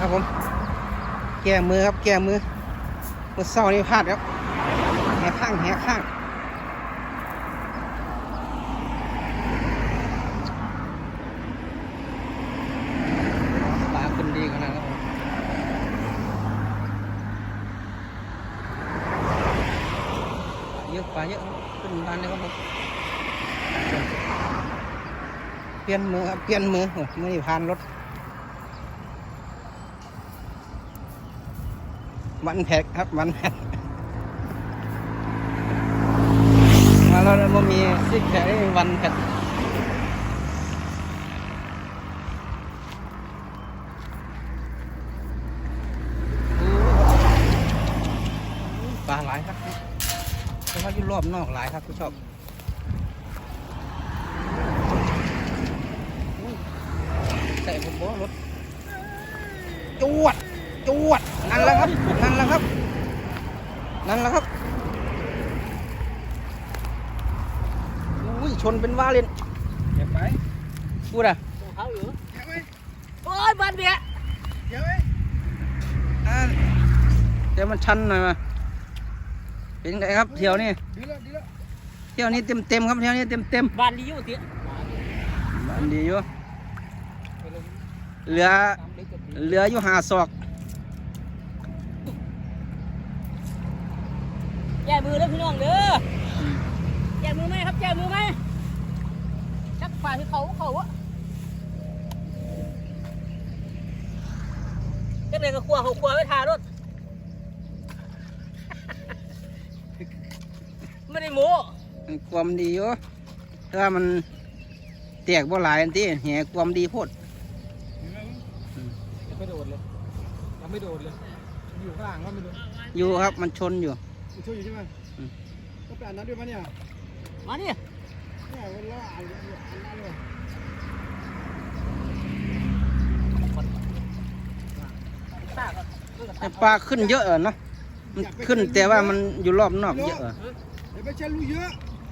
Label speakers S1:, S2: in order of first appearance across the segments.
S1: ครับผมแก้มือครับแก้มือเมื่อเศร้านี่พลาดครับแหกข้างแหกข้างปลาขึ้นดีขนาดนั้นเยอะปลาเยอะขึ้นบานเลยครับผมเปลี่ยนมือครับเปลี่ยนมือโอ้ไม่ได้ผ่านรถวันแพ็กครับวันแพ็กมาแล้วมันมีซิกแพ็กวันแพ็กปลาหลายครับแต่ว่าอยู่รอบนอกหลายครับผู้ชมใส่ผมบอกรถจวดจวดนั่นแหละครับนั่นแหละครับนั่นแหละครับอุ้ยชนเป็นว่าเล่นเก็บไปพูดอ่ะเขาอยู่เก็บไว้โอ้ยบ้านเบี้ยเก็บไว้เดี๋ยวมันชันหน่อยมาเป็นไงครับเที่ยวนี้เที่ยวนี้เต็มครับเที่ยวนี้เต็ม
S2: บ้านดีอยู่เตี้ย
S1: บ้านดีอยู่เหลืออยู่5 ศอก
S2: แย่มือแล้วพี่น้องเด้อแย่มือไหมครับแย่มือไหมจักฝ่ายที่เขาอะจักเลยก็ครัวเขาครัวไว้ทารถไม่ได้โม้
S1: ความดีอยู่ถ้ามันแตกบ่หลายอันที่แหกความดีโพด
S2: ยังไม่โดดเลยยังไม่โดดเลยอยู่ข้างล่างว่าไม่โดด
S1: อยู่ครับมันชนอยู่
S3: ช่วยอยู่ใช่ไหมก็แปลนั้นด้วยมั้ยเนี่ย
S2: มาดิ
S3: เนี่ยเวลาอ่านนั้น
S1: เลยปลาขึ้นเยอะนะมันขึ้นแต่ว่ามันอยู่รอบนอกเยอะ
S3: ไม่ใช่รู้เยอะ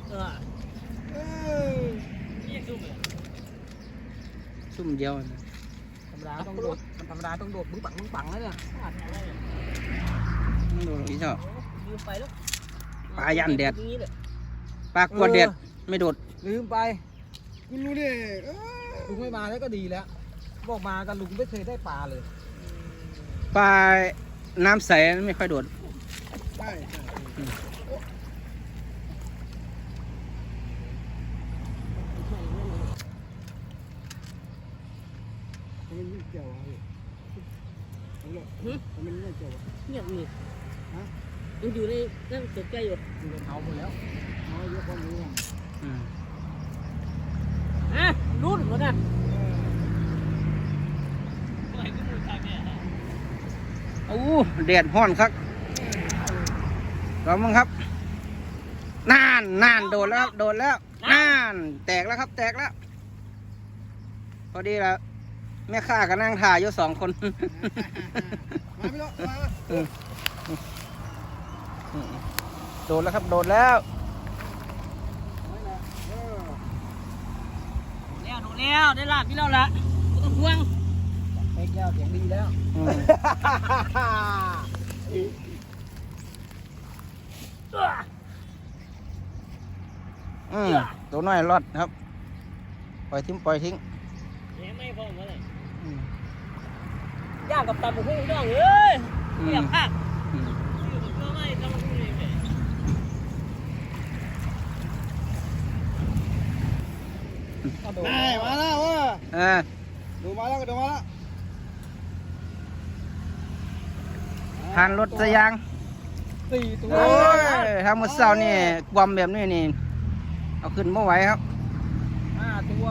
S1: ซุ่มเดียว
S2: ธรรมดาต้องโดดธรรมดาต้องโดดบึ้งปังแล้วเนี่ย
S1: ไม่โดดอีกเจ้า
S2: ไปแล้ว
S1: ปลายันแดดปลากวดแดดไม่โดด
S2: ลืมไป
S3: คุณรู้ดิ
S2: ลุงไม่มาแล้วก็ดีแล้วบอกมากันลุงไม่เคยได้ปลาเลย
S1: ปลาน้ำใสไม่ค่อยโดด
S3: ใช่มันยิ่งเกี่ยวอ่ะมันยิ่งเกี่ยว
S2: เงียบนี่มันอยู่ในนั่นตกใจอยู่
S3: เอาหมดแล้วเอาเยอะกว่านี้
S2: รุ่นหมดนะ
S1: โอ้แดดห้อนครับเรามั้งครับนานโดดแล้วโดดแล้วนานแตกแล้วครับแตกแล้วพอดีแล้วแม่ข้าก็นั่งถ่ายอยู่2 คน
S3: มาพี่น้องมา
S1: โดดแล้วครับโดดแล้ว
S2: ได้ลาบพี่เราละไม่ต้องห่วงเอ็กแล้วเสียงดีแล้ว
S1: ตัวน้อยรอดครับปล่อยทิ้ง
S2: ไม่พอเมื่อไหร่ย่างกับตำบุกหุ่งน้องเอ้ยไม่อยากพลาด
S3: มาแล้วว่ะดูมาแล้ว
S1: ผ่านรถสยาง
S3: 4 ตัว
S1: โอ้ยทางมือเสานี่ความแบบนี้นี่เอาขึ้นไม่ไหวครับ
S2: 5 ตัว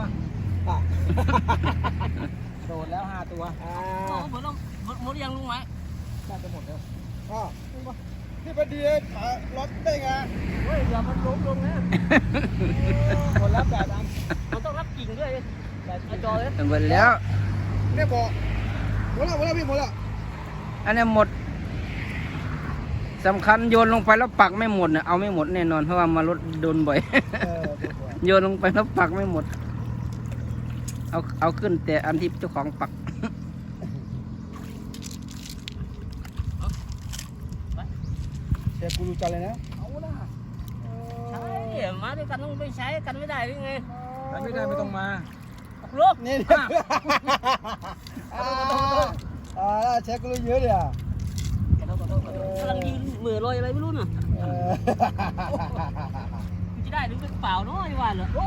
S2: โดดแล้ว5 ตัวหมดยังลุงไหมน่าจะหมดแล้ว
S3: พี่ประเดี๋ยวรถได้ไง
S2: เฮ้ยอย่ามันล้มลงนะคนรับแบบนั้นมันต้องรับกิ่งด้วยแบบจอเลย
S1: หมดแล้ว
S3: เนี่ยบอกหมดแล้วพี่หมดแล้ว
S1: อันนี้หมดสำคัญโยนลงไปแล้วปักไม่หมดเนี่ยเอาไม่หมดแน่นอนเพราะว่ามารถโดนบ่อยโยนลงไปแล้วปักไม่หมดเอาขึ้นแต่อันที่เจ้าของปัก
S3: ชฟกูรู้จักเลยนะ
S1: เอาละ
S2: ใช่มาด้วยกันต้องไปใช้กันไม่ได้หรือไง
S3: ไม่ได้ไม่ต้องมา
S2: ลูก
S3: นี่เชฟกูรู้เยอะเลยอ่ะ
S2: กำลังยืนเหม่อลอยอะไรไม่รู้น่ะจะได้หรือเปล่าเนาะไอ้วันเหรอโอ้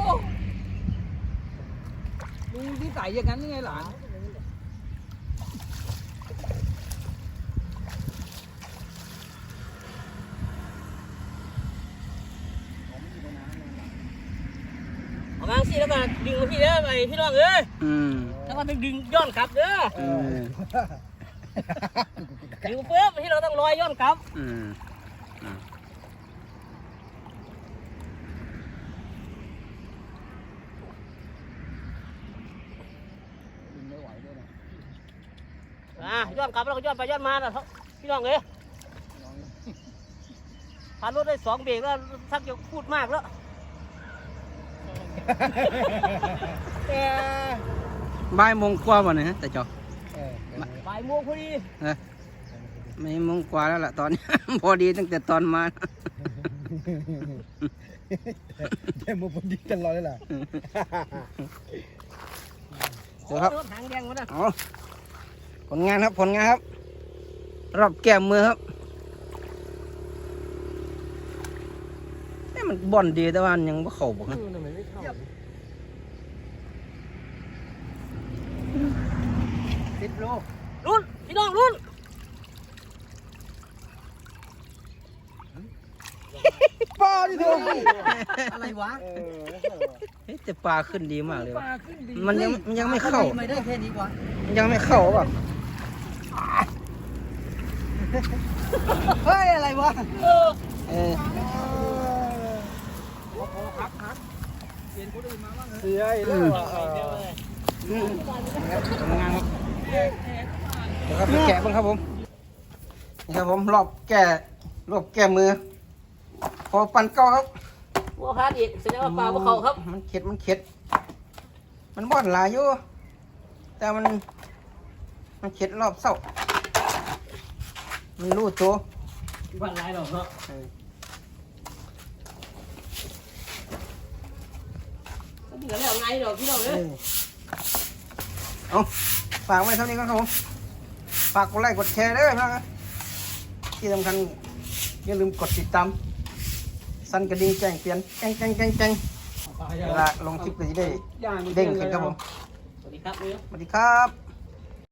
S1: ลุงที่ใส่อย่างนั้นยังไงหลาน
S2: เอามาสิแล้วก็ดึงมาพี่เด้อไอ้พี่น้องเอ้ย
S1: อืม
S2: แล้วก็ดึงย้อนกลับเด้อ
S1: อืม
S2: ดึงเพิ่มที่เราต้องลอยย้อนกลับ
S1: อืม
S2: ย้อนกลับแล้วก็ย้อนไปย้อนมาน่ะพี่น้องเอ้ยพารถได้2 เบรกแล้วทักจะพูดมากแล้ว
S1: บ่ายโมงกว่าบ่เนี่ยฮะแต่จอ
S2: บ่ายโมงพอดี
S1: ไม่โมงกว่าแล้วล่ะตอนนี้ พอดีตั้งแต่ตอนมา
S3: เดี๋ยวมึงพอดีกันรอเลยล่ะ
S1: เดี๋ยวครับ
S2: รถหางแดงมาแล้ว
S1: เอาผลงานครับผลงานครับ รอบแก้มมือครับนี่มันบ่อนดีแต่ว่ามันยังไม่เข้าบ่ครับ 10 โล
S2: รุ่นพี่น้องรุ่น
S3: ป้าดิเถอะ
S1: อะไรวะเฮ้ยแต่ปลาขึ้นดีมากเลยว่ะมันยังไม่เข้า
S2: ไม่ได้แค่นี้กว่า
S1: มันยังไม่เข้าป่ะ
S3: เฮ้ยอะไรวะ
S2: เออ
S1: เออ
S3: เสียอีกแล้วอ่ะ
S1: อืมทำงานครับเดี๋ยวครับไปแกะบ้างครับผมนี่ครับผมรอบแก้มือ พอปั่นเก้าครับ
S2: วัวพาดอีกแสดงว่าปลาพวกเขาครับ
S1: มันเข็ดมันบ่อนหลายอยู่แต่มันเข็ดรอบเศร้ามันรู้ตัว
S2: วันไรหรอกเนาะ
S1: เออ
S2: เหลือแล้วไงหรอกพี่น้องเอ้ย
S1: เอาฝากไว้เท่านี้ก็ครับผมฝากกดไลค์กดแชร์ด้วยนะครับที่สำคัญอย่าลืมกดติดตามสั่นกระดิ่งแจ้งเตือนแจ้งเวลาลงคลิปก็จะได้เด้งขึ้นครับผม
S2: สวัสดีครับเอ้ย
S1: สวัสดีครับ